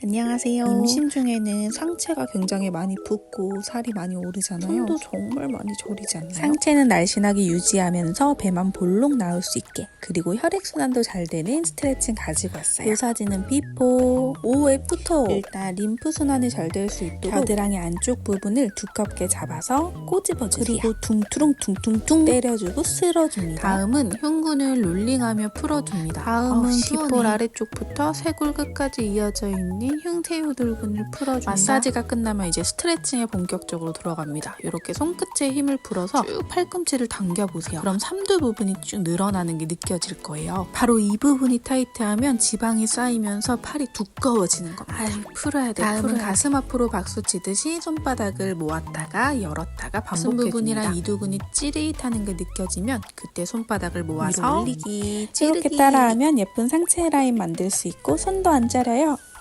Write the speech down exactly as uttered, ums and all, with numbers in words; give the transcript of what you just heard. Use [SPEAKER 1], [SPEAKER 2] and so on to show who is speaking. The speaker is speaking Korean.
[SPEAKER 1] 안녕하세요. 임신 중에는 상체가 굉장히 많이 붓고 살이 많이 오르잖아요. 손도 정말 많이 저리지 않나요? 상체는 날씬하게 유지하면서 배만 볼록 나올 수 있게, 그리고 혈액순환도 잘 되는 스트레칭 가지고 왔어요. 이 사진은 비포, 오 애프터. 일단 림프순환이 잘 될 수 있도록 겨드랑이 안쪽 부분을 두껍게 잡아서 꼬집어주세요. 그리고 둥투렁 둥퉁퉁 때려주고 쓸어줍니다. 다음은 흉근을 롤링하며 풀어줍니다. 다음은 귓볼 아래쪽부터 쇄골 끝까지 이어져 있는 흉쇄유돌근을 풀어줍니다. 마사지가 끝나면 이제 스트레칭에 본격적으로 들어갑니다. 이렇게 손끝에 힘을 풀어서 쭉 팔꿈치를 당겨보세요. 그럼 삼두 부분이 쭉 늘어나는 게 느껴질 거예요. 바로 이 부분이 타이트하면 지방이 쌓이면서 팔이 두꺼워지는 겁니다. 아유, 풀어야 돼. 다음은 풀어야 가슴 돼. 앞으로 박수 치듯이 손바닥을 모았다가 열었다가 반복해줍니다. 부분이랑 이두근이 찌릿하는 게 느껴지면 그때 손바닥을 모아서 올리기, 찌르기. 이렇게 따라하면 예쁜 상체 라인 만들 수 있고 손도 안 자려요.